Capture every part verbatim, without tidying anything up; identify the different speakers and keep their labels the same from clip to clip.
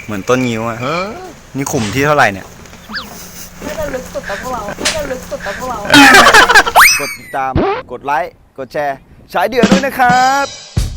Speaker 1: เหมือนต้นงิ้วอ่ะนี่ขุมที่เท่าไหร่เนี่ย
Speaker 2: ไม่จะลึกสุดแต่พวกเราไม่จะลึกสุดแต่พวกเรา
Speaker 1: กดติดตามกดไลค์กดแชร์ฉายเดือดด้วยนะครับ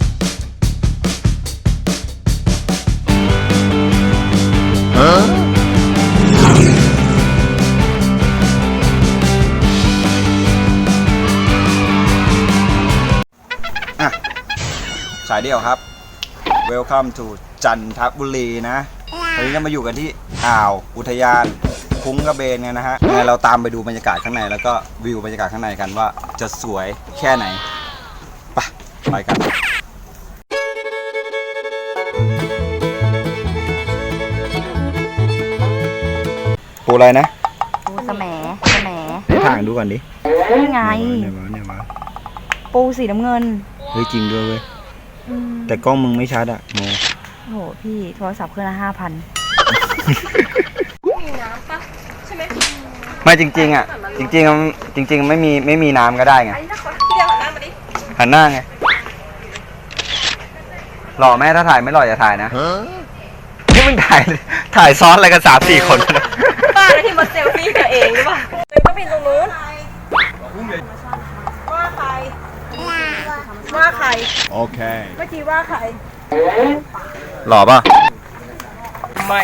Speaker 1: อ่ะฉายเดี่ยวครับ Welcome to จันทบุรีนะวันนี้เรามาอยู่กันที่อ่าวอุทยานคุ้งกระเบนกันนะฮะยังไงเราตามไปดูบรรยากาศข้างในแล้วก็วิวบรรยากาศข้างในกันว่าจะสวยแค่ไหนไปไปกันปูอะไรนะ
Speaker 2: ปูสแหมสแหม
Speaker 1: ให้ถ่างดูก่อนดิ
Speaker 2: นี่ไง
Speaker 1: เนี่ยมาเนี่ยมา
Speaker 2: ปูสีน้ำเงิน
Speaker 1: เฮ้ยจริงด้วยเว้ยแต่กล้องมึงไม่ชัดอะโม
Speaker 2: โหพี่โทรศัพท์เครื่องละห้าพันมีน้ำปะใช่ไหม
Speaker 1: ไม่จริงๆอ่ะจริงๆจริงๆไม่มีไม่มีน้ำก็ได้ไง
Speaker 2: พี่เดียวหันหน้ามาดิ
Speaker 1: หันหน้าไงหล่อแม่ถ้าถ่ายไม่หล่ออย่าถ่ายนะนี่มึงถ่ายถ่ายซ้อนอะไรกันสามสี่คน
Speaker 2: บ้าแล้วที่มาเซลฟี่ตัวเองหรือเปล่าก็เป็นตรงนู้นว่าใครว่าใคร
Speaker 1: โอเค
Speaker 2: เมื่อกี้ว่าใคร
Speaker 1: หล่อป่ะ
Speaker 2: ไม่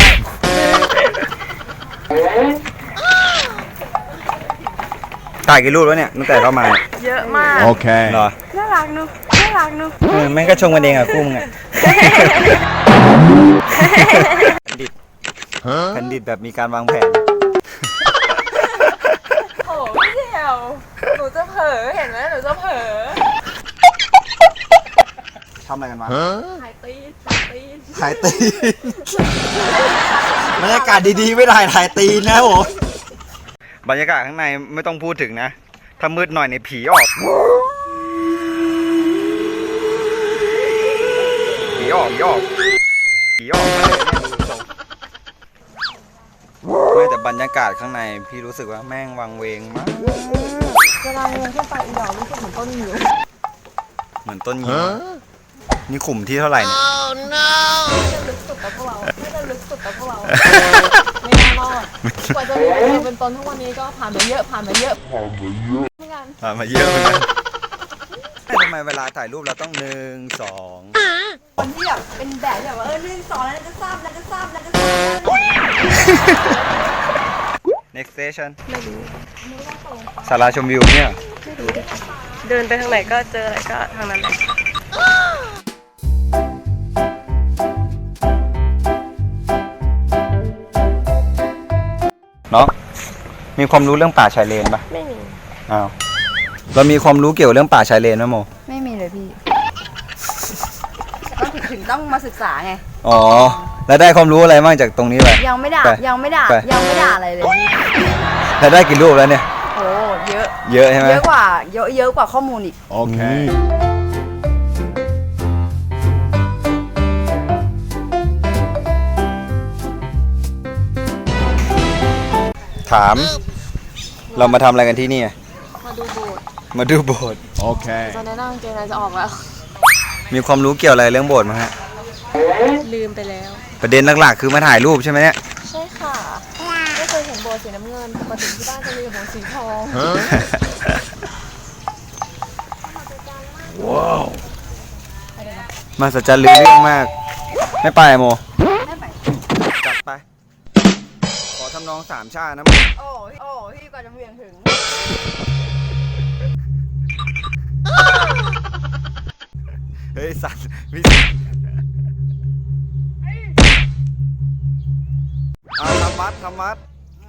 Speaker 1: ถ่ายกี่รูปแล้วเนี่ยตั้งแต่เข้ามา
Speaker 2: เยอะมาก
Speaker 1: โอเคเหรอ
Speaker 2: น่ารักนุ๊กน่ารักนุ๊ก
Speaker 1: เออแม่งก็ชงกันเองอะคู่มึงอะแผ่นดิตแผ่นดิตแบบมีการวางแผน
Speaker 2: โอ้พี่เดียวหนูจะเผลอเห็นไหมหนูจะเผลอ
Speaker 1: ทำอะไรกันวะ
Speaker 2: ถ่ายตีนถ่ายตีน
Speaker 1: ถ่ายตีนบรรยากาศดีๆไม่ถ่ายถ่ายตีนนะผมบรรยากาศข้างในไม่ต้องพูดถึงนะถ้ามืดหน่อยในผีออกผีออกผีออกผีออกมาเลยไม่แต่บรรยากาศข้างในพี่รู้สึกว่าแม่งวังเวงมาก
Speaker 2: เวลาเดินขึ้นไปอีดอกรู้สึกเหมือนต้นงิ้ว
Speaker 1: เหมือนต้นงิ้วนี่ขุมที่เท่าไหร่เนี่ย
Speaker 2: ไม่จะลึกสุดแต่พวกเราไม่จะลึกสุดแต่พวกเราไม่น่ารอดกว่าจะมีตัวเป็นตนทุกวันนี้ก็ผ่านมาเยอะผ่านมาเยอะผ่านมาเยอะ
Speaker 1: ผ่านมาเยอะเหมือนกันทำไมเวลาถ่ายรูปเราต้องหนึ่งสอง
Speaker 2: คนที่แบบเป็นแบบแบบว่าเออหนึ่งสองแล้วจะทราบแล้วจะทราบแล้วจะทราบ
Speaker 1: next station
Speaker 2: ไม่รู้
Speaker 1: ศาลาชมวิวเนี่ย
Speaker 2: ไม่รู้เดินไปทางไหนก็เจออะไรก็ทางนั้นเลย
Speaker 1: เนาะมีความรู้เรื่องป่าชายเลนปะ
Speaker 2: ไม่มี
Speaker 1: อ้าวเรามีความรู้เกี่ยวกับเรื่องป่าชายเลนไหมโม
Speaker 2: ไม่มีเลยพี่ก็ถึงต้องมาศึกษาไง
Speaker 1: อ๋อแล้วได้ความรู้อะไรบ้างจากตรงนี้ไป
Speaker 2: ยังไม่ด่ายังไม่ด่ายังไม่ด่าอะไรเลย
Speaker 1: แล้วได้กี่รูปแล้วเนี่ย
Speaker 2: โอ้เยอะ
Speaker 1: เยอะใช่ไหม
Speaker 2: เยอะกว่าเยอะเยอะกว่าข้อมูลอีก
Speaker 1: โอเคถามเรามาทำอะไรกันที่นี่
Speaker 2: มาดูโบสถ์
Speaker 1: มาดูโบสถ์โอเค
Speaker 2: ตอนนี้นั่งเกณฑ์อะไรจะออกแล้ว
Speaker 1: มีความรู้เกี่ยวอะไรเรื่องโบสถ์มั้ยฮะ
Speaker 2: ลืมไปแล้ว
Speaker 1: ประเด็นหลักๆคือมาถ่ายรูปใช่ไหมเนี่ย
Speaker 2: ใช่ค่ะไม่เคยเห็นโบสถ์สีน้ำเงินปกติที่บ้านจะมีโบสถ์สีทอง
Speaker 1: ว้าวมาสัจจ์ลือเรื่องมากไม่ไปโม
Speaker 2: ไม่ไป
Speaker 1: จัดไปขอทำนองสามชาตินะโม
Speaker 2: โอ้โอ้พี่กว่าจะเวียงถึง
Speaker 1: เฮ้ยสัตว์วิเอาทำมัดทำมัด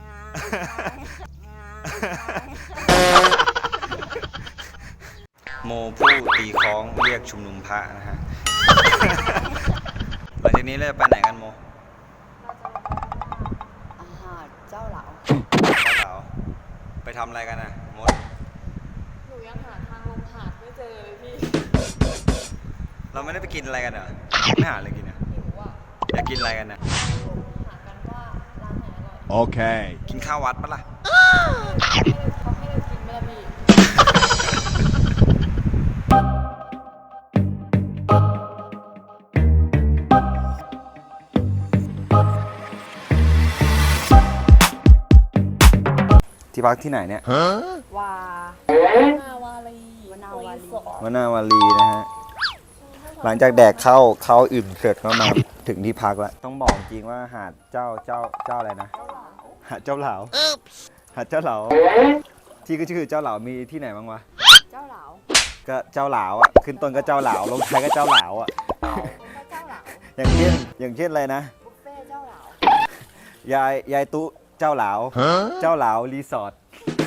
Speaker 1: โมผู้ตีคล้องเรียกชุมนุมพระนะฮะหลังจากนี้เราจะไปไหนกันโม
Speaker 2: หาดเจ้าเหลา
Speaker 1: เจ้าเหลาไปทำอะไรกันนะมด
Speaker 2: หนูยังหาทางลงหาดไม่เจอเลยพี่
Speaker 1: เราไม่ได้ไปกินอะไรกันเหรอไม่หาอะไรกินนะอยากกินอะไรกันนะโอเคกินข้าววัดปะล่ะ
Speaker 2: เขาให้เรากินไม่ได้พี่
Speaker 1: ที่พักที่ไหนเนี่ย
Speaker 2: วา นาวาลีวนาวาลี
Speaker 1: วานาวารีนะฮะ หลังจากแดกข้าวข้าวอิ่มเสร็จก็มาถึงที่พักแล้ว ต้องบอกจริงว่าหาดเจ้าเจ้าเจ้าอะไรนะ หาดเจ้าเหลาหาดเจ้าเหลาที่ก็ชื่อเจ้าเหลามีที่ไหนบ้างวะ
Speaker 2: เจ้าเหลา
Speaker 1: ก็เจ้าเหลาอ่ะ ขึ้นต้นก็เจ้าเหลาลงท้ายก็เจ้าเหลาอ่ะ
Speaker 2: เจ้าเหลา
Speaker 1: อย่างเช่นอย่างเช่นอะไรนะ
Speaker 2: บุฟเฟ่เจ้าเหลาย
Speaker 1: ายยายตุเจ้าเหลาเจ้าเหลารีสอร์ท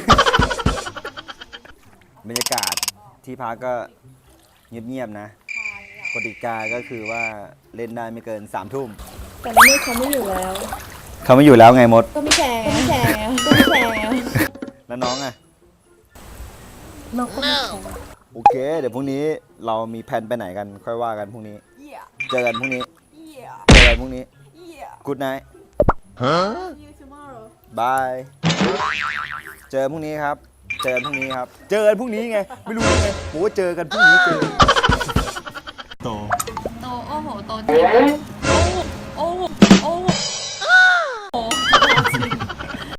Speaker 1: บรรยากาศที่พักก็เงียบๆนะกติกาก็คือว่าเล่นได้ไม่เกินสามทุ่ม
Speaker 2: แต่นี่เขาไม่อยู่แล้ว
Speaker 1: เขาไม่อยู่แล้วไงมด
Speaker 2: ก็ไม่แชร์ก็ไม่แชร์ก็ไม่แชร์
Speaker 1: แล้วน้องอ่ะ
Speaker 2: น้องก็ไม่แชร์
Speaker 1: โอเค เดี๋ยวพรุ่งนี้เรามีแผนไปไหนกันค่อยว่ากันพรุ่งนี้
Speaker 2: เยี่ย
Speaker 1: เจอกันพรุ่งนี้
Speaker 2: เยี่ย
Speaker 1: เจอกันพรุ่งนี้
Speaker 2: เยี่ย
Speaker 1: Good night
Speaker 2: See you tomorrow
Speaker 1: bye เจอพรุ่งนี้ครับ เจอกันพรุ่งนี้ครับ เจอกันพรุ่งนี้ไง ไม่รู้ยังไงผมว่าเจอกันพรุ่งนี้เจอโต
Speaker 2: โตโอ้โหโตจริง